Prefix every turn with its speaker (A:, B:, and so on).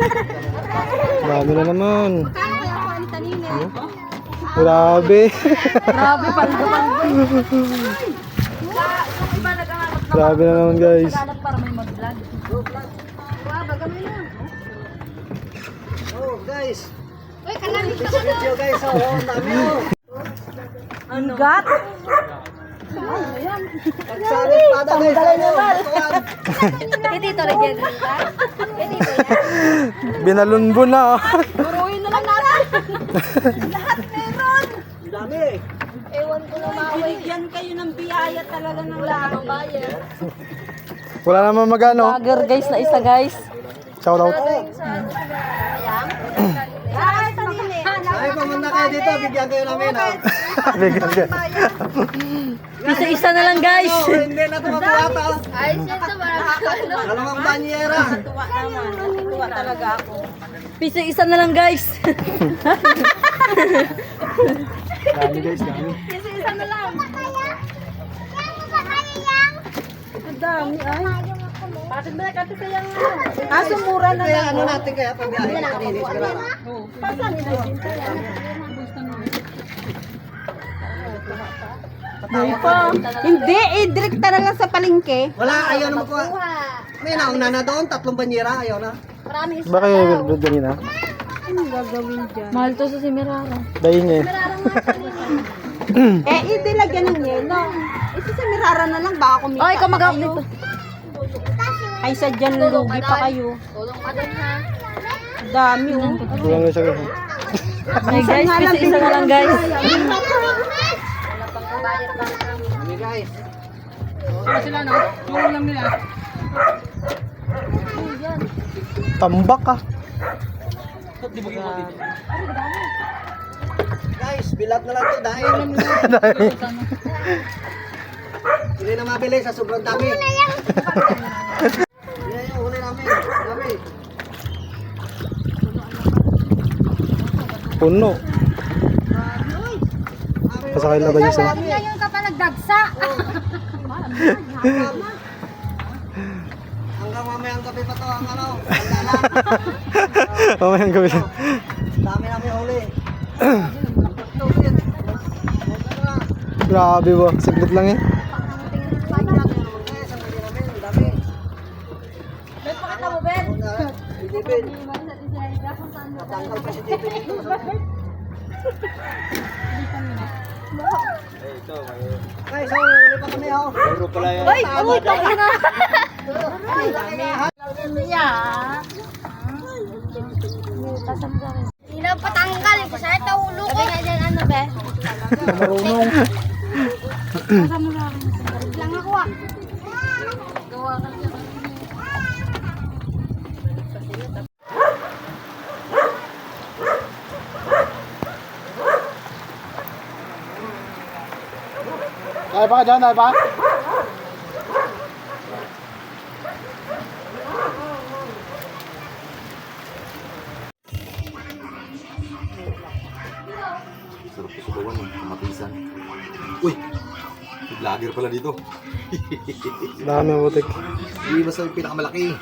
A: Dami na naman.
B: Kaya kaya ako ang tanina.
A: Grabe.
B: Grabe, paldo-paldo.
A: Grabe na naman guys.
B: Para may mag-vlog. Wow, bagam na.
C: Oh, guys.
B: Uy, kalamin ka
C: This video guys, oh, ang dami oh.
B: Ano? Gat?
C: Nagsalit pada guys.
B: Dito rin yan. Dito yan.
A: Binalunbo na.
B: Buruin na lang natin. Lahat meron.
C: Ang dami.
B: Ewan ko na maway. Binigyan kayo ng biyaya talaga ng lahat.
A: Wala naman magano.
B: Vlogger guys na isa guys.
A: Shout out.
B: Ay, tanine.
C: Ay, pumunta kayo dito, bigyan kayo namin oh.
A: Bigyan ka.
B: Isa-isa na lang guys.
C: Oh, hindi na tumakuha to.
B: Ay, siyempre marami.
C: Dalawang banyera.
B: Tuwa naman. Tuwa talaga ako. Isa-isa na lang guys.
A: Dami guys, dami.
B: Isa-isa na lang. Ang dami ay. Bakit ba nakati sayang kaso mura na
C: Kaya
B: lang.
C: ano natin kaya pagbiyahe na kanina, sigurado.
B: Pasan na din. Hindi, direkta na lang sa palengke.
C: Wala, ayaw na makuha. May nauna na doon, 3 banyera, ayaw na.
A: Ba kayo nag-vlog kanina?
B: Ano gagawin dyan? Mahal to sa si Mirara.
A: Dahin niya
B: Hindi lagyan ng yelo. Isa sa Mirara na lang, baka kumita. Ay, kamagap dito. Ay, sadyan lugi pa kayo. Tulong ka din ha. Dami oh.
A: Tulong na siya guys.
B: Ay guys, isa na lang guys.
C: Kami guys.
A: Tambak ka.
C: Guys, bilat na lang to dahil hindi na mabili sa sobrang dami. Yan yung huli namin. Dami.
A: Puno. Pasakay na ba niya sa?
B: Ngayon ka pa nagdagsa.
C: Hanggang mamayang gabi pa to ang ano. Pagdalan.
A: Mamayang gabi lang.
C: Dami namin huli.
A: Grabe ba? Saglit lang eh.
B: May pakita mo, Ben?
C: Natanggal kasi dito dito. Guys, huli pa kami oh.
B: Uy, uy, tayo na. Sino patanggal? Kasi ito ulo ko. Sabi nga dyan, ano, be?
A: Marunong.
B: Lang ako ah. Gawa ka siya.
A: Ay pa ka dyan, ay pa?
D: Sarap ko subawan ng kamatisan. Uy! May vlogger pala dito.
A: Dami ang butik.
D: Hindi basta yung pinakamalaki.